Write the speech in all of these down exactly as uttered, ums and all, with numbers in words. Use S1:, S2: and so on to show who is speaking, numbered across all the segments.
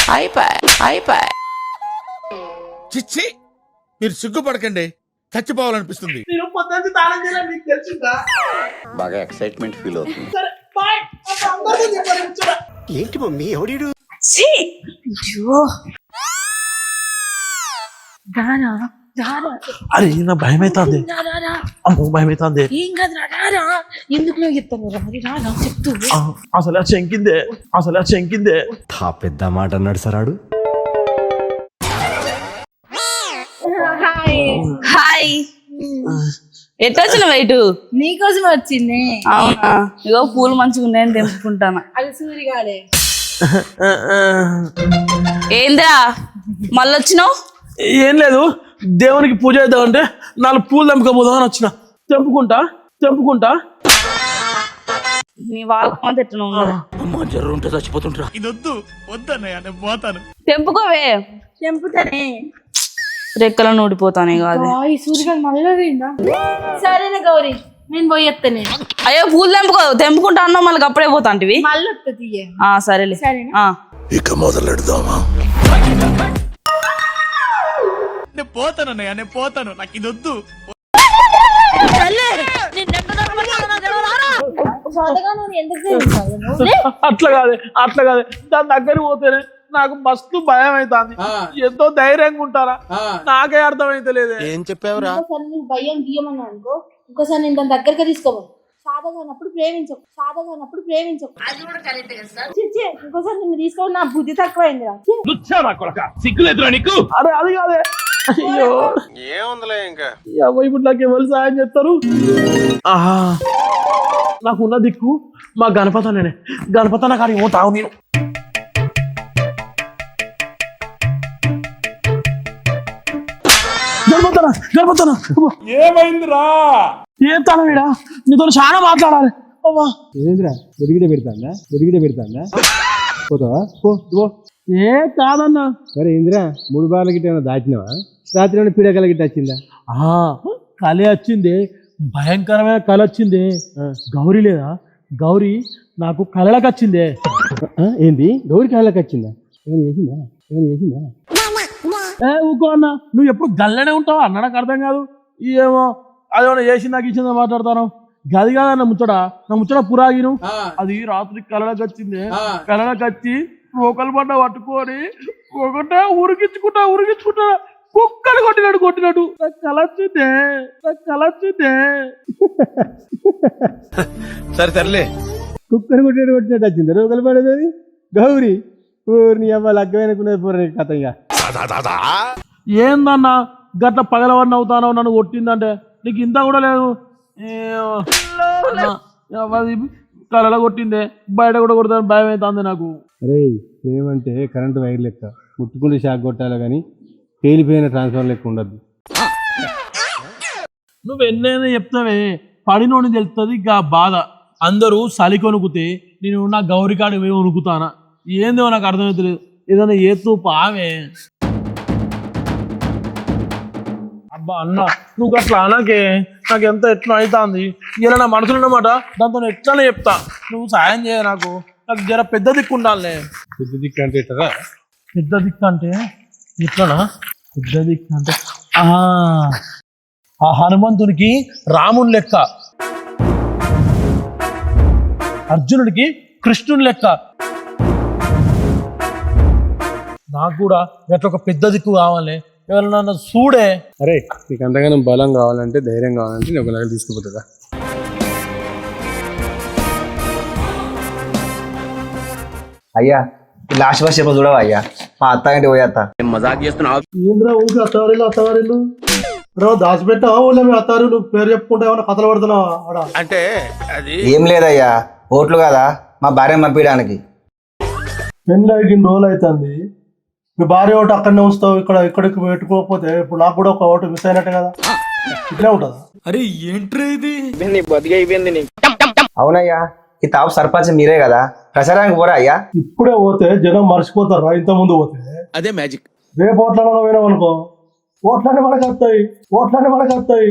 S1: అయిపోయి అయిపోయి
S2: చిచ్చి మీరు సిగ్గుపడకండి, చచ్చిపోవాలనిపిస్తుంది.
S3: నేను పొద్దున్న తాళం చేయాలని నీకు తెలిసిందా?
S4: బాగా ఎక్సైట్మెంట్ ఫీల్ అవుతుంది.
S3: సరే బాయ్. అందరికీ చెప్పాలి కూర్చోరా.
S5: ఏంటి మమ్మీ ఎవడీడు?
S6: ఛీ! అయ్యో రారా రారా
S3: అరే నా భయం అవుతుంది.
S6: రారా
S3: అమ్మో భయం అవుతుంది.
S6: ఏం కాదురా రారా. ఎందుకు నువ్వు చెప్తాను రా మరి రారా చెప్తూ
S3: అసలు చెంకిందే అసలు చెంకిందే.
S5: తా పెద్ద మాట అన్నాడు సరాడు.
S7: హాయ్ ఎట్లా వచ్చిన వైటు?
S6: నీకోసం వచ్చింది.
S7: అవునా? ఇగో పూలు మంచిగా ఉన్నాయని తెంపుకుంటాను.
S6: అది సూరిగాడే.
S7: ఏంద్రా మళ్ళీ వచ్చినావు?
S3: ఏం లేదు, దేవునికి పూజ చేద్దామంటే నాలుగు పూలు తెంపుకోబోదాం అని వచ్చిన. తెంపుకుంటా తెంపుకుంటా
S7: నీ వాళ్ళ ఎట్లా ఉన్నాడు?
S2: అమ్మ జర్రు ఉంటే చచ్చిపోతుంటా.
S7: తెంపుకోవే.
S6: తెంపుతానే.
S7: రెక్కలను ఊడిపోతానే కాదు.
S6: ఈ సూరిగాడు మళ్ళీ పోయిందా? సరేనా గౌరీ నేను పోయేస్తానే.
S7: అయ్యో పూలు తెంపుకో. తెంపుకుంటా అన్నావు మళ్ళీ అప్పుడే పోతాంటివి.
S6: మళ్ళీ వస్తుంది.
S7: ఆ సరేలే.
S6: సరేనా?
S2: ఇక మొదలెడదామా?
S3: నేను పోతాను అన్నయ్య, నేను పోతాను, నాకు ఇది వద్దు. అట్లా కాదు అట్లా కాదు దాని దగ్గర పోతేనే నాకు మస్తు భయం అవుతుంది. ఎంతో ధైర్యంగా ఉంటారా నాకే అర్థమైతే లేదే.
S4: ఏం చెప్పావురా?
S6: భయం గీయమని అనుకో, ఇంకోసారి నేను దాని దగ్గరగా తీసుకోవాలి. సాధగానప్పుడు ప్రేమించకు, సాధగానప్పుడు ప్రేమించకు. ఇంకోసారి నిన్ను తీసుకోవాలి. నా బుద్ధి తక్కువైంది రా.
S3: సిగ్గులేదురా నీకు? అరే అది కాదే. అయ్యో
S4: ఏముందిలే ఇంకా.
S3: ఇప్పుడు నాకు ఎవరు సాయం చేస్తారు? ఆహా నాకున్న దిక్కు మా గణపత నేనే. గణపత నాకు అది పోతావు నేను. గణపతన గణపతన ఏమైందిరా? ఏం తన వీడా నీతో చాలా మాట్లాడాలి. అవ్వా
S8: ఏమైందిరా? దొరికిటే పెడతాందా? దొరికిటే పెడతాందా? పోతావా? పో పో.
S3: ఏ కాదన్నా.
S8: మరి ఏందిరా, మూడు బార్ల గిట్ట ఏమైనా దాచినవా? రాత్రి ఏమైనా పీడకల గిట్ట వచ్చిందా?
S3: కళ వచ్చింది, భయంకరమైన కళ వచ్చింది. గౌరీ లేదా? గౌరీ నాకు కళలకు వచ్చిందే.
S8: ఏంది గౌరీ కళలకు వచ్చిందా? ఏమైనా చేసిందా? ఏమైనా చేసిందా?
S3: ఏ ఊకో అన్న, నువ్వు ఎప్పుడు గల్లనే ఉంటావా అన్న? నాకు అర్థం కాదు. ఏమో అదేమన్నా చేసి నాకు ఇచ్చిందో మాట్లాడతాను. గది కాదన్న ముచ్చట. నా ముచ్చట పురాగిను. అది రాత్రి కళలకు వచ్చింది. కళలకు వచ్చి రోకలు పడ్డ పట్టుకొని ఒకటే ఉరికించుకుంటా ఉరికించుకుంటా కుక్కలు కొట్టినాడు కొట్టినాడు. నాకు కళ వచ్చిందే, నాకు కళ వచ్చిందే.
S4: సరే సర్లే.
S8: కుక్కర్ కొట్టినట్టు కొట్టినట్టు వచ్చింది రోకలు పడేది. గౌరీ ఊరిని అవ్వాలి అగ్గమైనకునేది పూర కథ. ఇక
S3: ఏందన్నా గట్ల పగలవన్నీ అవుతానో నన్ను కొట్టిందంటే నీకు ఇంత కూడా లేదు. కళలో కొట్టిందే, బయట కూడా కొడతాను భయం అవుతుంది నాకు.
S8: అరే ఏమంటే కరెంటు వైర్ లెక్క ముట్టుకుంటే షాక్ కొట్టాలి కానీ పేలిపోయిన ట్రాన్స్ఫర్ లెక్క ఉండద్దు.
S3: నువ్వు ఎన్నైనా చెప్తావే, పడినోని తెలుస్తుంది ఇక బాధ. అందరూ సలి కొనుకుతే నేను నా గౌరీ కాడికి పోయి వణుకుతానా? ఏందో నాకు అర్థమవుతలేదు. ఏదైనా ఏతూ పావే. అబ్బా అన్న నువ్వు అట్లా అనకే, నాకు ఎంత ఎట్లా అవుతుంది. ఇలా నా మనసులో ఉన్నమాట దాంతో ఎట్లానే చెప్తా. నువ్వు సాయం చేయ నాకు. నాకు జర పెద్ద దిక్కు ఉండాలే.
S8: పెద్ద దిక్కు అంటే ఎట్లా?
S3: పెద్ద దిక్కు అంటే ఎట్లనా? పెద్ద దిక్కు అంటే ఆ హనుమంతునికి రాముని లెక్క, అర్జునుడికి కృష్ణుని లెక్క. నాకు కూడా ఎట్లా ఒక పెద్ద దిక్కు కావాలి. ఎవరన్నా చూడే.
S8: అరే నీకు అంతగానో బలం కావాలంటే, ధైర్యం కావాలంటే నేను ఒకలాగా తీసుకుపోతుందా?
S9: అయ్యా లాస్ట్ బస్ చెప్ప చూడవా అయ్యా, మా అత్త ఇంటి పోయేత్త.
S4: మజాక్ చేస్తున్నావు?
S3: ఏంద్రా ఊరికి అత్తవారిలు అత్తవారిలు దాచిపెట్టావా? ఊళ్ళో మీ అత్తారు పేరు చెప్పుకుంటా ఏమన్నా కథలు పడుతున్నావా?
S4: అంటే అది
S9: ఏం లేదయ్యా, ఓట్లు కదా మా భార్య పంపించడానికి.
S3: పెళ్ళి అయ్యి రోజులు అవుతుంది. మీ భార్య ఓటు అక్కడనే ఉంచుతావు, ఇక్కడ ఇక్కడికి పెట్టుకోకపోతే ఇప్పుడు నాకు కూడా ఒక ఓటు మిస్ అయినట్టే కదా. ఇట్లే ఉంటుందా?
S2: అరే ఏంట్రా ఇది?
S9: అవునయ్యా, ఈ తాపు సర్పంచ్ మీరే కదా, ప్రచారానికి పోరా అయ్యా?
S3: ఇప్పుడే పోతే జనం మర్చిపోతారా? ఇంత ముందు పోతే
S2: అదే మ్యాజిక్.
S3: రేపు ఓట్లలో పోయినాం అనుకో, ఓట్లనే మనకు వస్తాయి, ఓట్లనే మనకు వస్తాయి.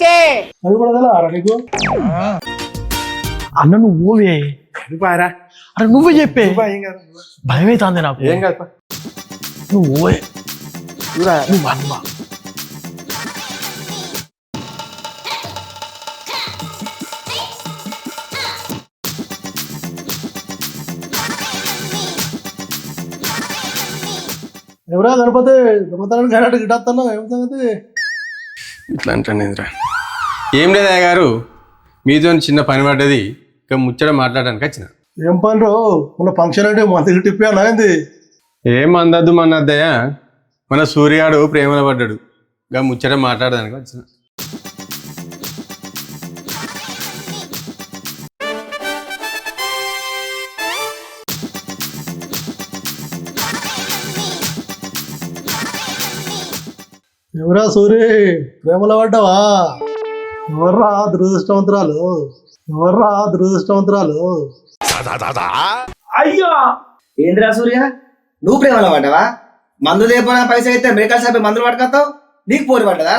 S3: అది కూడా తెలవారా నీకు? అన్న నువ్వు పోవే. అరే నువ్వే చెప్పే భయం అవుతుంది నాకు
S4: ఏం కాదు
S3: నువ్వే నువ్వు అమ్మా
S8: ఎవరా గణపతి దొంగతనానికి గణాడు గిట్టేస్తున్నావు ఏం సంగతి?
S4: ఇట్లా అంటాను ఇంద్ర ఏం లేదు అయ్య గారు మీతో చిన్న పని పడ్డది ఇక ముచ్చట మాట్లాడడానికి వచ్చిన
S8: ఏం పని రో మన ఫంక్షన్ అంటే మంత్కి టిప్పాను ఏంది?
S4: ఏం అందద్దు మన అద్దయ్య మన సూర్యాడు ప్రేమలో పడ్డాడు ఇక ముచ్చట మాట్లాడడానికి వచ్చిన
S8: ఎవరా సూరి ప్రేమలో పడ్డావా? ఎవర్రా దురదృష్టవంతురాలు? ఎవర్రా దురదృష్టవంతురాలు?
S3: అయ్యా
S9: ఏంద్రా సూర్య నువ్వు ప్రేమలో పడ్డావా? మందు లేకపోయినా పైసా అయితే మెడికల్ షాప్ మందులు పట్టుకొస్తావు నీకు పోరు పడ్డదా?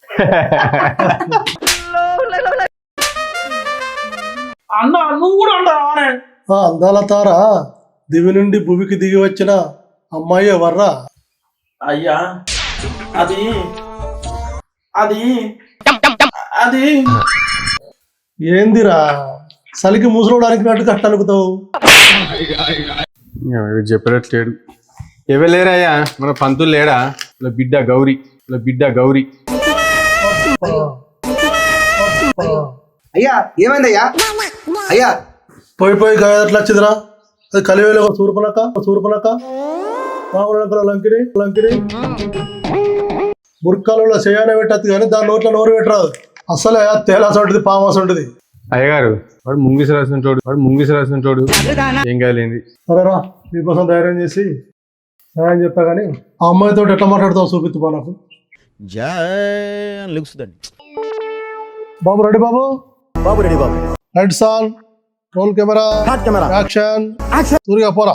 S3: అన్న నువ్వు కూడా ఉంటావా
S8: ఆ అందాల తార దివి నుండి భూమికి దిగి వచ్చిన అమ్మాయి ఎవర్రా?
S3: అయ్యా అది అది అది
S8: ఏందిరా చలికి ముసలోడానికి నట్టు కట్టనుకుతావు?
S4: చెప్పేటట్లేడు ఎవరు లేరయ్యా మన పంతులు లేడా ఇలా బిడ్డ గౌరీ ఇలా బిడ్డ గౌరీ
S9: అయ్యా ఏమైందయ్యా? అయ్యా
S8: పోయి పోయి గాయ ఎట్లా వచ్చిందిరా? అది కలివేలో సూర్పనక సూర్పనక రావణ లంకిని లంకిని మురికాలలో చేయనే పెట్టద్దు కానీ దాని నోట్లో నోరు పెట్టరాదు. అసలే తేలాస ఉంటుంది పామాస ఉంటుంది.
S4: అయ్యగారు వాడు ముంగిసి రాసిన చోడు వాడు ముంగిసి రాసిన చోడు ఏం కాలేంది.
S8: సరేరా నీకోసం ధైర్యం చేసి సహాయం చెప్తా కానీ ఆ అమ్మాయితో ఎట్లా మాట్లాడతావు చూపిద్దు నాకు. బాబు రెడీ బాబు
S5: బాబు రెడీ బాబు
S8: లైట్ సాల్ రోల్ కెమెరా
S5: కెమెరా
S8: యాక్షన్ సూరిగా పోరా.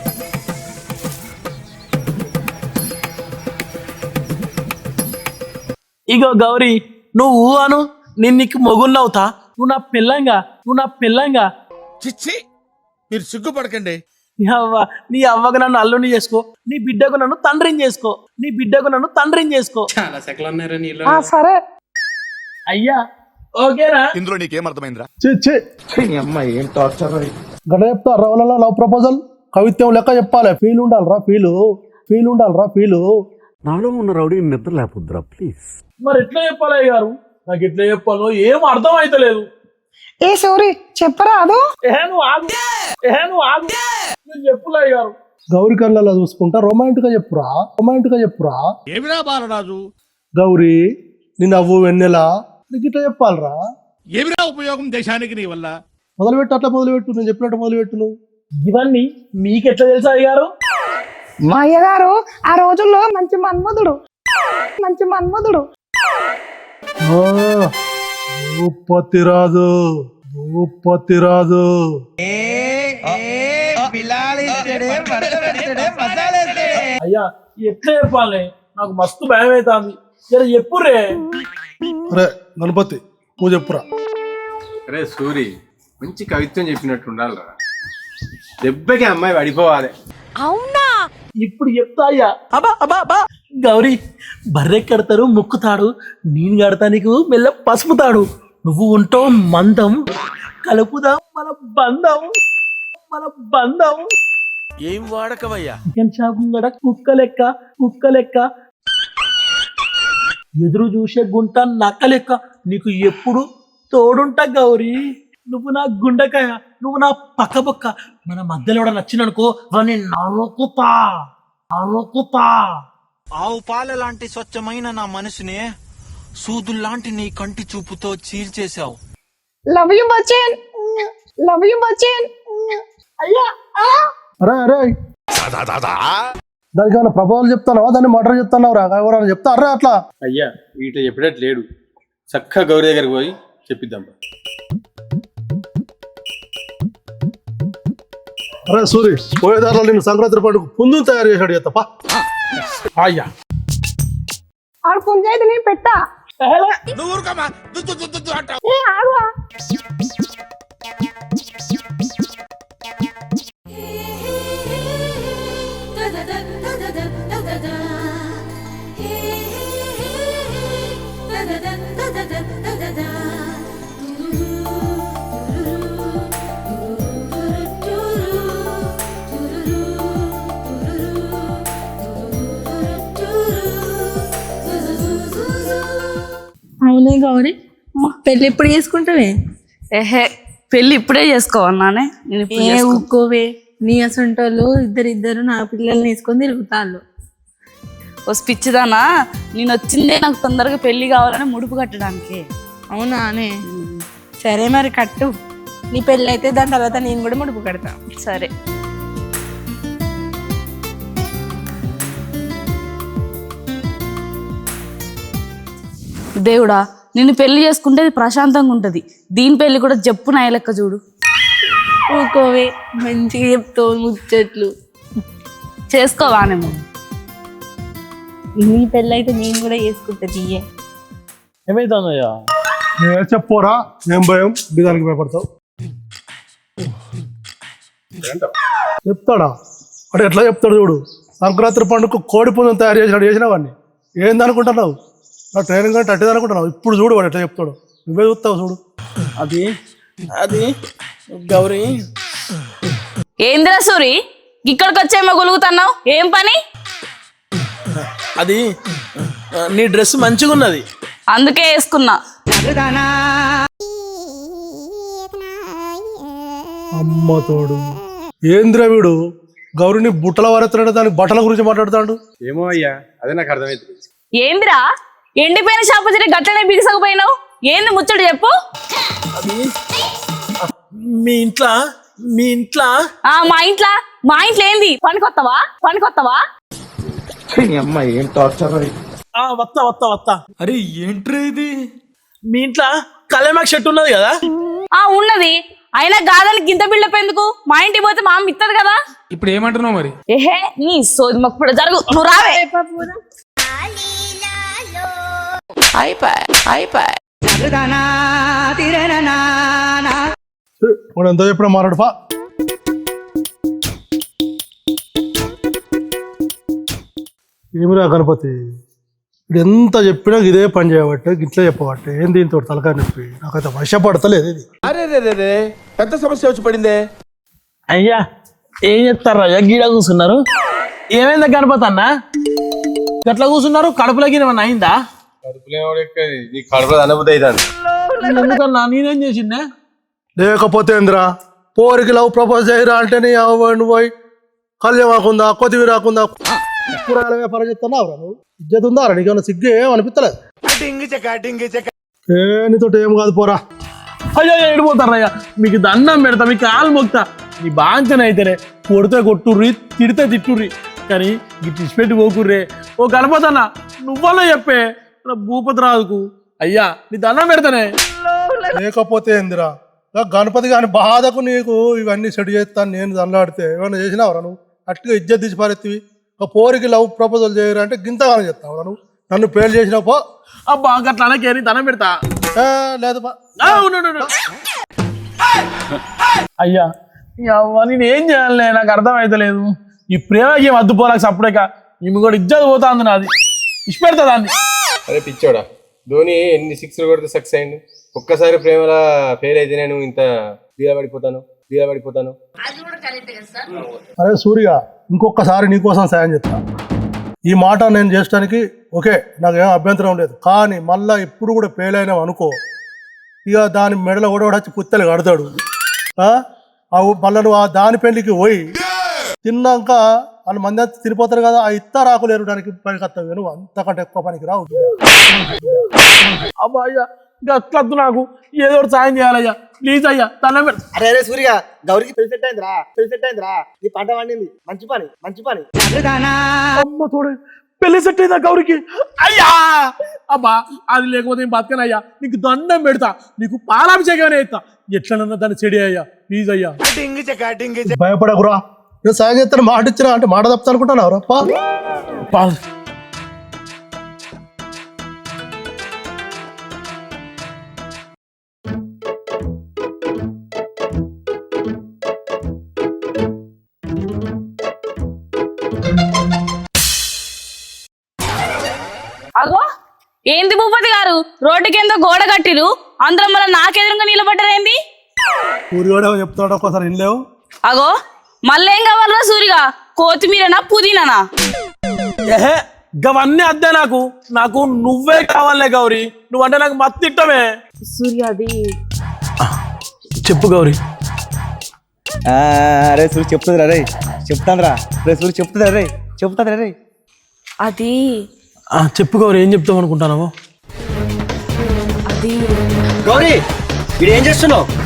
S3: ఇగో గౌరీ నువ్వు అను నేను నీకు మొగున్నవుతా నువ్వు నా పిల్లంగా నువ్వు నా పిల్లంగా
S2: చిచ్చి మీరు సిగ్గుపడకండి.
S3: నీ అవ్వ నీ అవ్వకు నన్ను అల్లుని చేసుకో నీ బిడ్డకు నన్ను తండ్రిని చేసుకో నీ బిడ్డకు నన్ను తండ్రిని చేసుకో.
S2: చాలా సెకలు ఉన్నారా నీళ్ళు?
S3: సరే అయ్యా ఓకేనా?
S2: ఇందులో నీకేం అర్థమైందిరా?
S8: అమ్మాయి ఏం టార్చర్ గడ చెప్తా రవలలో లవ్ ప్రపోజల్ కవిత్వం లెక్క చెప్పాలి. ఫీల్ ఉండాలిరా ఫీలు ఫీల్ ఉండాలిరా ఫీలు.
S5: నాలో ఉన్న రౌడీ నిద్ర లేపుద్రా ప్లీజ్.
S3: మరి ఎట్లా చెప్పాలి అయ్య గారు? నాకు ఎట్లా చెప్పాలో ఏం అర్థం అయితలేదు.
S1: ఏ సోరీ చెప్పరా అదో
S3: ఏ నువ్వు ఆగు ఏ నువ్వు ఆగు నేను చెప్పులే అయ్య గారు.
S8: గౌరీ కళ్ళలో చూసుకుంటా రొమాంటిక్ గా చెప్పురా రొమాంటిక్ గా చెప్పురా.
S2: ఏమిరా బాలరాజు?
S8: గౌరీ నీ నవ్వు వెన్నెలా నీకు ఇట్లా చెప్పాలరా.
S2: ఏమిరా ఉపయోగం దేశానికి నీ వల్ల?
S8: మొదలుపెట్టు అట్లా మొదలుపెట్టు నేను చెప్పినట్టు మొదలుపెట్టు నువ్వు.
S3: ఇవన్నీ మీకెట్లా తెలుసా అయ్య గారు?
S1: మా అయ్యగారు ఆ రోజుల్లో మంచి మన్మధుడు మంచి మన్మధుడు
S8: భూపతి రాజు భూపతి రాజు.
S3: అయ్యా ఎట్లా చెప్పాలి? నాకు మస్తు భయం అవుతుంది. జర చెప్పురే.
S8: అరే గణపతి నువ్వు చెప్పురా.
S4: అరే సూరి మంచి కవిత్వం చెప్పినట్టు ఉండాలిరా. దెబ్బకి అమ్మాయి పడిపోవాలి.
S3: ఇప్పుడు చెప్తా అయ్యా. అబ్బా అబ్బా అబ్బా గౌరీ బర్రె కడతారు ముక్కుతాడు నేను కడతా నీకు మెల్ల పసుపుతాడు నువ్వు ఉంటావు మందం కలుపుదాం మన బంధం మన బంధం.
S2: ఏం వాడకవయ్యా?
S3: చికెన్ షాప్ ముంగడ కుక్క లెక్క కుక్క లెక్క ఎదురు చూసే గుంట నక్క లెక్క నీకు ఎప్పుడు తోడుంటా గౌరీ. నువ్వు నా గుండెకాయ నువ్వు నా పక్క పక్క మన మధ్యలో కూడా నచ్చిననుకో వాడిని నరుకుతా నరుకుతా.
S10: ఆవు పాల లాంటి స్వచ్ఛమైన నా మనసునే సూదుల్లాంటి నీ కంటి చూపుతో చీల్చేశావు.
S1: Love you Bachchan love you Bachchan.
S3: అయ్యా
S8: అరే అరే దానికి ఏమైనా ప్రభావాలు చెప్తానవా దాన్ని మర్డర్ చెప్తాన్నావు రా ఎవరైనా చెప్తా అరే అట్లా.
S4: అయ్యా వీటిలో చెప్పేటట్టు లేడు. చక్కగా గౌరీ దగ్గరికి పోయి చెప్పిద్దాం.
S8: అరే సూరి పోయేదారులో నేను సంక్రాంతి పండుగ పుంజుని తయారు చేశాడు చెత్తపా.
S3: అయ్యా
S1: ఆడు పుంజైతే నేను పెట్టా.
S2: నువ్వు ఊరుకోమా. దుద్దు దుద్దు దుద్దు అంటావు.
S1: ఏ ఆడువా
S6: అవునే గౌరీ పెళ్ళి ఎప్పుడు చేసుకుంటావే?
S7: ఏహే పెళ్ళి ఇప్పుడే చేసుకోవన్నానే నేను ఇప్పుడు
S6: ఏ
S7: చేసుకో-
S6: ఊకోవే, నీ అసంటోళ్ళు ఇద్దరిద్దరు నా పిల్లల్ని వేసుకొని తిరుగుతాళ్ళు.
S7: ఓ పిచ్చిదానా, నేను వచ్చిందే నాకు తొందరగా పెళ్లి కావాలని ముడుపు కట్టడానికి.
S6: అవునా అనే? సరే మరి కట్టు, నీ పెళ్ళి అయితే దాని తర్వాత నేను కూడా ముడుపు కడతా.
S7: సరే దేవుడా, నిన్ను పెళ్లి చేసుకుంటే అది ప్రశాంతంగా ఉంటది. దీని పెళ్లి కూడా జప్పు నాయ లెక్క చూడు.
S6: ఊకోవే, మంచిగా చెప్తావు ముచ్చట్లు.
S7: చేసుకోవానేమో.
S6: నీ పెళ్ళి అయితే నేను కూడా చేసుకుంటా తీయే.
S3: ఏమైతుందయ్యా?
S8: నేను చెప్పోరా, ఏం భయం బిదానికి భయపడతావు? చెప్తాడా అంటే ఎట్లా చెప్తాడు చూడు. సంక్రాంతి పండుగ కోడి పుంజం తయారు చేసినాడు, చేసిన వాడిని ఏందనుకుంటున్నావు? నా ట్రైనింగ్ అంటే అట్టేది అనుకుంటున్నావు? ఇప్పుడు చూడు వాడు ఎట్లా చెప్తాడు, నువ్వే చూస్తావు చూడు.
S3: అది అది గౌరీ,
S7: ఏందిరా సూరి, ఇక్కడికి వచ్చేమో గొలుగుతున్నావు, ఏం పని?
S3: అది నీ డ్రెస్ మంచిగా ఉన్నది
S7: అందుకే వేసుకున్నా.
S8: అమ్మ తోడు, ఏంద్ర వీడు గౌరిని బుట్టల వారెత్తున్నాడు, దానికి బట్టల గురించి మాట్లాడుతాడు.
S4: ఏమో అయ్యా, అదే నాకు అర్థమైంది.
S7: ఏందిరా ఎండిపోయిన షాపు చెట్టు గట్టనే బిగిసకపోయినావు, ఏంది ముచ్చడు చెప్పు.
S3: మీ ఇంట్లో మీ ఇంట్లో
S7: ఆ మా ఇంట్లో మా ఇంట్లో ఏంది? పనికొత్తవా పనికొత్తవా?
S3: ఆ, వత్తా వత్తా వత్తా. అరే ఏంట్రీ ఇది? మీ ఇంట్లో కళ్యాణ్ షర్ట్ ఉన్నది కదా?
S7: ఆ ఉన్నది, అయినా గాదానికి గింత బిల్డప్ ఎందుకు? మా ఇంటికి పోతే మా అమ్మ ఇత్తది కదా.
S2: ఇప్పుడు ఏమంటున్నావు మరి?
S7: ఏహే నీ సోది మొక్కుడు జరుగు, నువ్వు రావే.
S8: వాడు ఎంతో చెప్పినా మారాడు పా. ఏమిరా గణపతి, ఇది ఎంత చెప్పినా ఇదే పని చేయబట్టే, గిట్లే చెప్పబట్టే, ఏం దీంతో తలకాయ నొప్పి, నాకైతే వశపడతలేదు ఇది.
S2: అరే రే రే రే పెద్ద సమస్య వచ్చి పడిందే.
S3: అయ్యా ఏం చెప్తారా అయ్యా, గీడ కూర్చున్నారు? ఏమైందా గణపతి అన్న, గట్లా కూర్చున్నారు? కడుపులోకి ఏమన్నా అయిందా?
S4: నీ కడుపులో అనుభూతి అవుతుంది.
S3: ఎందుకన్నా నేనేం చేసిందే?
S8: లేకపోతే ఏందిరా, పోరికి లవ్ ప్రపోజ్ చేయరా అంటే నీ అవ్వండి పోయి కళ్యాణ్ రాకుందా, కొద్దివి రాకుందా, కూరగాయల వ్యాపారం చెప్తున్నావురా నువ్వు? ఇజ్జత్ ఉందారా నీకేమన్నా? సిగ్గు ఏం అనిపిస్తలేదు? ఏ నీతో ఏం కాదు పోరా.
S3: అయ్యో ఎడిపోతారయ్యా, మీకు దండం పెడతా, మీకు కాలు మొక్తా. నీ బాంచన అయితేనే కొడితే కొట్టుర్రి, తిడితే తిట్టుర్రి, కానీ ఈ తిచ్చిపెట్టి పోకుర్రే. ఓ గణపతన్న నువ్వలో చెప్పే నా భూపతి రాజుకు, అయ్యా నీ దండం పెడతానే.
S8: లేకపోతే ఏందిరా, నా గణపతి గాని బాధకు నీకు ఇవన్నీ సెట్ చేస్తాను నేను దండాడితే ఏమన్నా చేసినావురా నువ్వు? అట్టుగా ఇజ్జత్ తీసి పారెత్తివి. ఒక పోరికి లవ్ ప్రపోజల్ చేయరా అంటే గింతగానే చెప్తావురా నువ్వు? నన్ను పేరు చేసినావు పో.
S3: అబ్బా గట్లా అనకేరి దండం పెడతా.
S8: ఏ, లేదు పా.
S3: ఆ, ఉండు, ఉండు, ఉండు. అయ్యా అవ్వ నేను ఏం చేయాలి, నాకు అర్థం అయితలేదు. ఈ ప్రేమకి ఏం అద్దుపోరాక సప్పుడేక ఈమె కూడా ఇజ్జత్ పోతాంది నాది, ఇష్టపెడతా దాన్ని.
S4: అరే పిచ్చోడా, ధోని ఎన్ని సిక్స్లు కొడితే సక్సెస్ అయింది. ఒక్కసారి ప్రేమలా ఫెయిల్ అయితే నేను ఇంత డీలా పడిపోతాను డీలా పడిపోతాను
S8: అరే సూర్య, ఇంకొకసారి నీకోసం సాయం చెప్తా. ఈ మాట నేను చేయడానికి ఓకే, నాకేం అభ్యంతరం లేదు, కానీ మళ్ళా ఎప్పుడు కూడా ఫెయిల్ అయినావు అనుకో, ఇక దాని మెడలో కూడా వచ్చి పుత్తలు కడతాడు. మళ్ళీ నువ్వు ఆ దాని పెళ్లికి పోయి తిన్నాక వాళ్ళు మంది అంతా తినిపోతారు కదా, ఆ ఇత్త రాకులేరు దానికి పనికి వస్తావు నువ్వు, అంతకంటే ఎక్కువ పనికి రావు.
S3: అబ్బా అయ్యా గట్లద్దు, నాకు ఏదో ఒకటి సాయం చేయాలయ్యా, ప్లీజ్ అయ్యా దండం పెడతా.
S9: అరే అరే సూర్య, గౌరికి పెళ్లి సెట్ అయిందిరా, పెళ్లి సెట్ అయిందిరా, నీ పంట పండింది, మంచి పని మంచి పని.
S3: అమ్మ తోడే పెళ్లి సెట్ అయిందా గౌరికి? అయ్యా అబ్బా అది లేకపోతే ఏం బతకనయ్యా, నీకు దండం పెడతా, నీకు పాలాభిషేకం అవుతా, ఎట్లనన్నా దాన్ని చెడి అయ్యా, ప్లీజ్ అయ్యా.
S8: భయపడకురా, నేను సాయం చేస్తాను మాట ఇచ్చినా అంటే మాట తప్పుతా అనుకుంటున్నావు రప్ప.
S3: పాల్
S7: అగో ఏంది భూపతి గారు, రోడ్డుకి ఏందో గోడ కట్టిరు, అందరం మళ్ళీ నాకెదురుగా నిలబడ్డారేంది?
S8: ఊరివాడే చెప్తాడు ఒక్కసారి వినలేవు.
S7: అగో మళ్ళీ ఏం కావాలరా సూరిగా, కొత్తిమీరనా పుదీనానా?
S3: ఏహే గవన్నీ అద్దే నాకు నాకు నువ్వే కావాలే గౌరీ నువ్వంటే నాకు మత్తు ఇట్టమే
S7: సూర్య అది
S3: చెప్పు గౌరీ
S9: అరే సూరి చెప్తుంది రే చెప్తాను రా రే సూరి చెప్తుంది రే చెప్తుంది రే
S7: అది
S3: ఆ, చెప్పు గౌరీ ఏం చెప్తావు అనుకుంటున్నావు
S7: అది
S9: గౌరీ వీడు ఏం చేస్తున్నావు